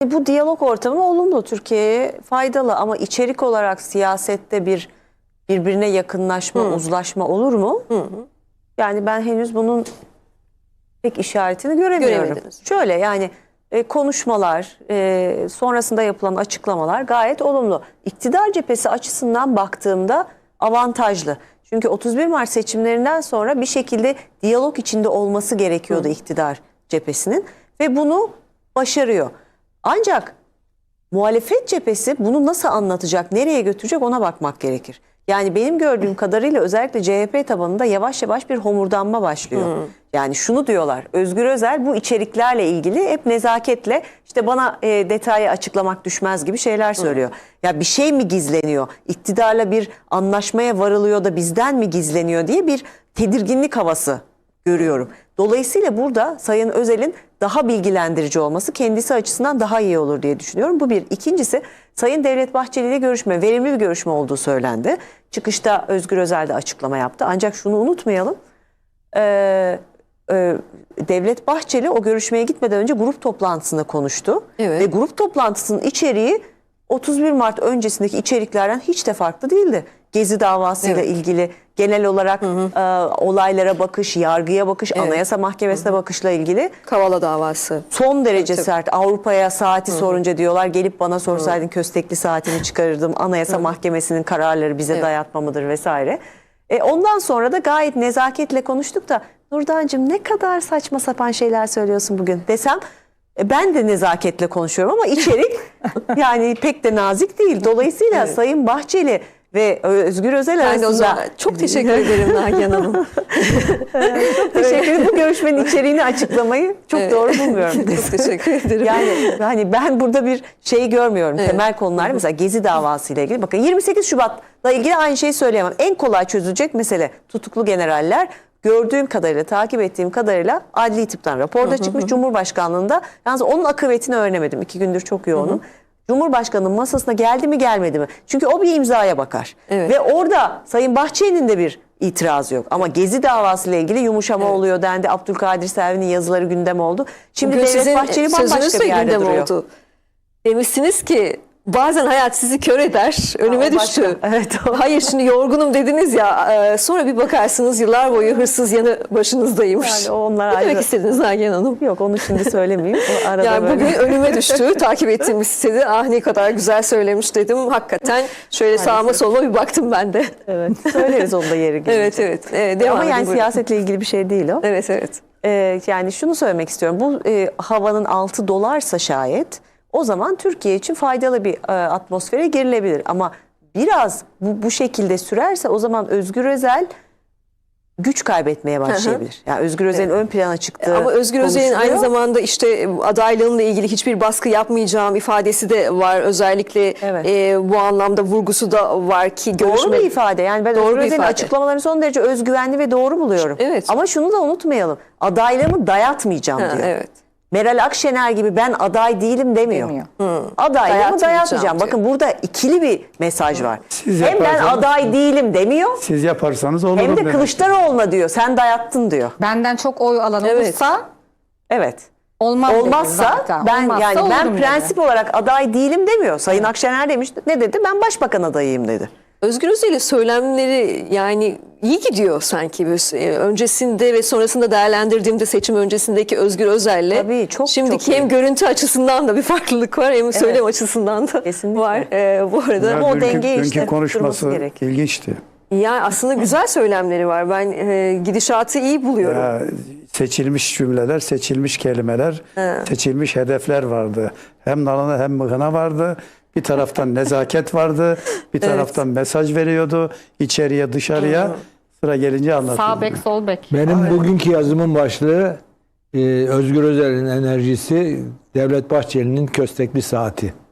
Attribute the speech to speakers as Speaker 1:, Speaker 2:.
Speaker 1: Bu diyalog ortamı olumlu, Türkiye'ye faydalı ama içerik olarak siyasette bir birbirine yakınlaşma, uzlaşma olur mu? Yani ben henüz bunun pek işaretini göremiyorum. Şöyle yani konuşmalar, sonrasında yapılan açıklamalar gayet olumlu. İktidar cephesi açısından baktığımda avantajlı. Çünkü 31 Mart seçimlerinden sonra bir şekilde diyalog içinde olması gerekiyordu iktidar cephesinin ve bunu başarıyor. Ancak muhalefet cephesi bunu nasıl anlatacak, nereye götürecek ona bakmak gerekir. Yani benim gördüğüm kadarıyla özellikle CHP tabanında yavaş yavaş bir homurdanma başlıyor. Yani şunu diyorlar, Özgür Özel bu içeriklerle ilgili hep nezaketle işte bana detayı açıklamak düşmez gibi şeyler söylüyor. Ya bir şey mi gizleniyor, iktidarla bir anlaşmaya varılıyor da bizden mi gizleniyor diye bir tedirginlik havası görüyorum. Dolayısıyla burada Sayın Özel'in daha bilgilendirici olması kendisi açısından daha iyi olur diye düşünüyorum. Bu bir. İkincisi Sayın Devlet Bahçeli ile görüşme, verimli bir görüşme olduğu söylendi. Çıkışta Özgür Özel de açıklama yaptı. Ancak şunu unutmayalım. Devlet Bahçeli o görüşmeye gitmeden önce grup toplantısında konuştu. Evet. Ve grup toplantısının içeriği 31 Mart öncesindeki içeriklerden hiç de farklı değildi. Gezi davasıyla ilgili genel olarak olaylara bakış, yargıya bakış, Anayasa Mahkemesi'ne bakışla ilgili.
Speaker 2: Kavala davası.
Speaker 1: Son derece sert. Avrupa'ya saati sorunca diyorlar gelip bana sorsaydın köstekli saatimi çıkarırdım. Anayasa Mahkemesi'nin kararları bize dayatma mıdır vesaire. Ondan sonra da gayet nezaketle konuştuk da Nurdancığım ne kadar saçma sapan şeyler söylüyorsun bugün desem ben de nezaketle konuşuyorum ama içerik yani pek de nazik değil. Dolayısıyla Sayın Bahçeli ve Özgür Özel arasında...
Speaker 2: Çok teşekkür ederim Nagihan Hanım.
Speaker 1: Çok teşekkür ederim. Bu görüşmenin içeriğini açıklamayı çok doğru bulmuyorum.
Speaker 2: Çok teşekkür ederim.
Speaker 1: Yani hani ben burada bir şey görmüyorum. Temel konular mesela Gezi davası ile ilgili. Bakın 28 Şubat'la ilgili aynı şeyi söyleyemem. En kolay çözülecek mesele tutuklu generaller. Gördüğüm kadarıyla, takip ettiğim kadarıyla adli tıptan raporda çıkmış Cumhurbaşkanlığında. Yalnız onun akıbetini öğrenemedim. 2 gündür çok yoğunum. Cumhurbaşkanının masasına geldi mi gelmedi mi? Çünkü o bir imzaya bakar. Ve orada Sayın Bahçeli'nin de bir itirazı yok. Ama Gezi davası ile ilgili yumuşama oluyor dendi. Abdülkadir Selvi'nin yazıları gündem oldu. Şimdi Devlet Bahçeli bambaşka bir yerde duruyor. Oldu.
Speaker 2: Demişsiniz ki bazen hayat sizi kör eder. Önüme düştü.
Speaker 1: Evet,
Speaker 2: hayır şimdi yorgunum dediniz ya. Sonra bir bakarsınız yıllar boyu hırsız yanı başınızdaymış.
Speaker 1: Yani onlar
Speaker 2: ne demek istediniz Nagihan Hanım?
Speaker 1: Yok onu şimdi söylemeyeyim. O arada
Speaker 2: yani
Speaker 1: böyle...
Speaker 2: bugün önüme düştü. Takip ettiğim sitede ah ne kadar güzel söylemiş dedim. Hakikaten şöyle sağıma soluma bir baktım ben de.
Speaker 1: Evet. Söyleriz onda yeri gelince.
Speaker 2: Evet.
Speaker 1: Ama yani siyasetle ilgili bir şey değil o.
Speaker 2: Evet.
Speaker 1: Yani şunu söylemek istiyorum. Bu havanın altı dolarsa şayet o zaman Türkiye için faydalı bir atmosfere girilebilir. Ama biraz bu şekilde sürerse o zaman Özgür Özel güç kaybetmeye başlayabilir. Yani Özgür Özel'in ön plana çıktığı
Speaker 2: ama Özgür Özel'in aynı zamanda işte adaylığıyla ilgili hiçbir baskı yapmayacağım ifadesi de var. Özellikle bu anlamda vurgusu da var ki
Speaker 1: doğru bir ifade. Yani ben Özgür Özel'in açıklamalarını son derece özgüvenli ve doğru buluyorum. Ama şunu da unutmayalım. Adaylığımı dayatmayacağım diyor. Meral Akşener gibi ben aday değilim demiyor. Adaylığımı dayatmayacağım. Bakın burada ikili bir mesaj var. Hem ben aday değilim demiyor.
Speaker 3: Siz yaparsanız olur.
Speaker 1: Hem de Kılıçdaroğlu'na diyor. Sen dayattın diyor.
Speaker 4: Benden çok oy alan olursa
Speaker 1: olmazsa ben prensip olarak aday değilim demiyor. Sayın Akşener demiş. Ne dedi? Ben başbakan adayıyım dedi.
Speaker 2: Özgür Özel'in söylemleri yani iyi gidiyor sanki. Öncesinde ve sonrasında değerlendirdiğimde seçim öncesindeki Özgür Özel'le şimdiki hem görüntü açısından da bir farklılık var hem söylem açısından da var. Bu arada
Speaker 3: ama o dengeyi işte konuşması ilginçti.
Speaker 2: Yani aslında güzel söylemleri var. Ben gidişatı iyi buluyorum.
Speaker 3: Ya, seçilmiş cümleler, seçilmiş kelimeler, seçilmiş hedefler vardı. Hem nalına hem mıhına vardı. Bir taraftan nezaket vardı, bir taraftan mesaj veriyordu, içeriye dışarıya. Sıra gelince anlatıyordu.
Speaker 4: Sağ bek, sol bek.
Speaker 5: Benim bugünkü yazımın başlığı Özgür Özel'in enerjisi, Devlet Bahçeli'nin köstekli saati.